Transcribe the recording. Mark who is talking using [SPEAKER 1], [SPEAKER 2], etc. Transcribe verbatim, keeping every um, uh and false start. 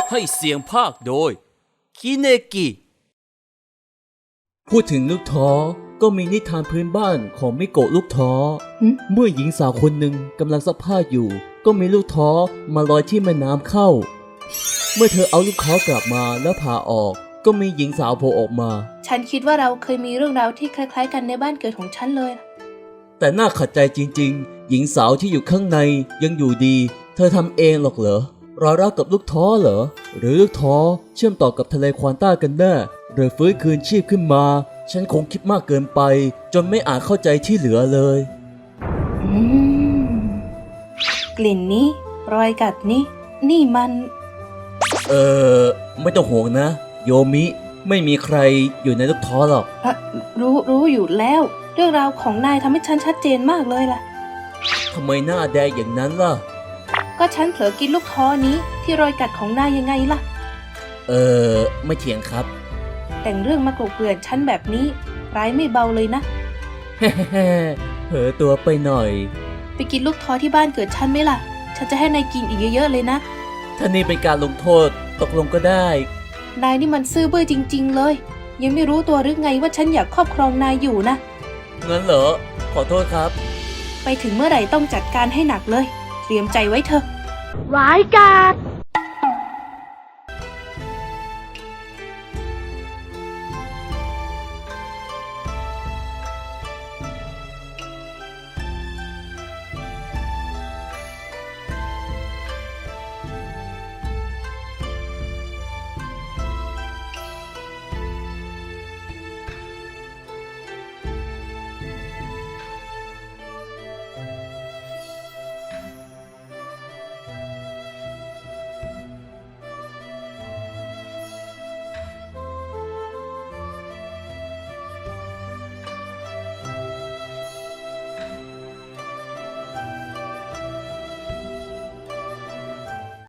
[SPEAKER 1] ให้เสียงภาคโดยคิเนกิพูดถึงลูกท้อก็มีนิทานพื้นบ้านของมิโกะลูกท้อเมื่อหญิงสาวคนหนึ่งกำลังซักผ้าอยู่ก็มีลูกท้อมาลอยที่แม่น้ำเข้าเมื่อเธอเอาลูกท้อกลับมาแล้วผ่าออกก็มีหญิงสาวโผล่ออกมา
[SPEAKER 2] ฉันคิดว่าเราเคยมีเรื่องราวที่คล้ายๆกันในบ้านเกิดของฉันเลย
[SPEAKER 1] แต่น่าขัดใจจริงๆหญิงสาวที่อยู่ข้างในยังอยู่ดีเธอทำเองหรอกเหรอรอยรักกับลูกท้อเหรอหรือลูกท้อเชื่อมต่อกับทะเลควานต้ากันแน่หรือฟื้นคืนชีพขึ้นมาฉันคงคิดมากเกินไปจนไม่อาจเข้าใจที่เหลือเลย
[SPEAKER 2] อืมกลิ่นนี้รอยกัดนี้นี่มัน
[SPEAKER 1] เออไม่ต้องห่วงนะโยมิไม่มีใครอยู่ในลูกท้อหรอก
[SPEAKER 2] อะรู้รู้อยู่แล้วเรื่องราวของนายทำให้ฉันชัดเจนมากเลยล่ะ
[SPEAKER 1] ทำไมหน้าแดงอย่างนั้นล่ะ
[SPEAKER 2] ก็ฉันเผลอกินลูกท้อนี้ที่รอยกัดของนายยังไงล่ะ
[SPEAKER 1] เออไม่เถียงครับ
[SPEAKER 2] แต่งเรื่องมากลบเกลื่อนฉันแบบนี้ร้ายไม่เบาเลยนะ
[SPEAKER 1] เฮ้เผลอตัวไปหน่อย
[SPEAKER 2] ไปกินลูกท้อที่บ้านเกิดฉันไหมล่ะฉันจะให้นายกินอีกเยอะๆเลยนะ
[SPEAKER 1] ถ้านี่เป็นการลงโทษตกลงก็ได้
[SPEAKER 2] นายนี่มันซื่อบื้อจริงๆเลยยังไม่รู้ตัวหรือไงว่าฉันอยากครอบครองนายอยู่นะ
[SPEAKER 1] งั้นเหรอขอโทษครับ
[SPEAKER 2] ไปถึงเมื่อไหร่ต้องจัดการให้หนักเลยเตรียมใจไว้เถอะ
[SPEAKER 3] ร้ายกาจ